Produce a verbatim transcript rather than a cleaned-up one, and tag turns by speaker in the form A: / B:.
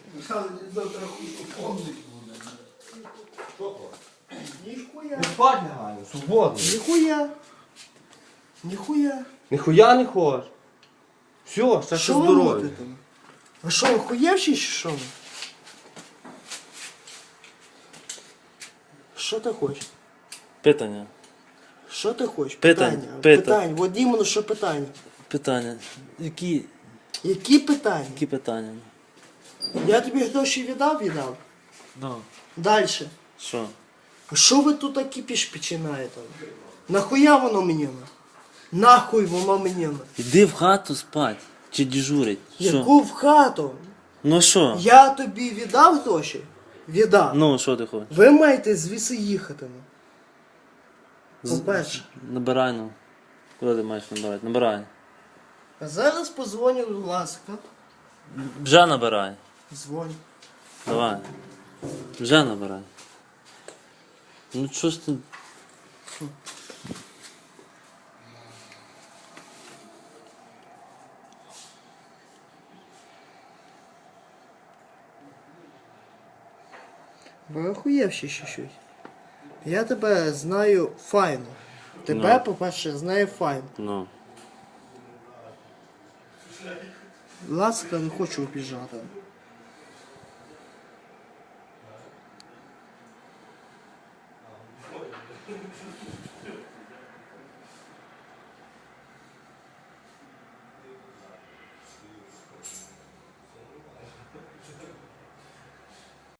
A: Михайло, завтра хуй помнить буде.
B: Що то?
A: Ніхуя.
C: Не спать лягаю, свободно.
A: Ніхуя. Ніхуя.
C: Ніхуя не хочеш. Все, ще
A: Що
C: що
A: ви
C: здоров'я.
A: робите? Ви що, охуєвші чи що ви? Що ти хочеш?
D: Питання.
A: Що ти хочеш?
D: Питань,
A: Питання.
D: питань.
A: Питання. От іменно що питання.
D: Питання. Які,
A: Які питання?
D: які питання?
A: Я тобі гроші віддав, віддав.
D: Ну.
A: Далі.
D: Що?
A: А що ви тут такі піш починаєте? Нахуя воно мені? Нахуй воно мені?
D: Іди в хату спать. Чи дежурить? Що?
A: Яку в хату?
D: Ну що?
A: Я тобі віддав гроші? Віддав.
D: Ну, що ти хочеш?
A: Ви маєте звідси їхати.
D: З-
A: По-перше.
D: Набирай, ну. Куди ти маєш набирати? Набирай.
A: А зараз позвоню, будь ласка.
D: Вже набирай.
A: Дзвоню.
D: Давай. Вже набирай. Ну що ж ти...
A: Ви охуєвші ще щось. Я тебе знаю файно. Тебе,
D: Ну.
A: по-перше, знаю файно.
D: Ну.
A: Будь ласка, не хочу обіжати.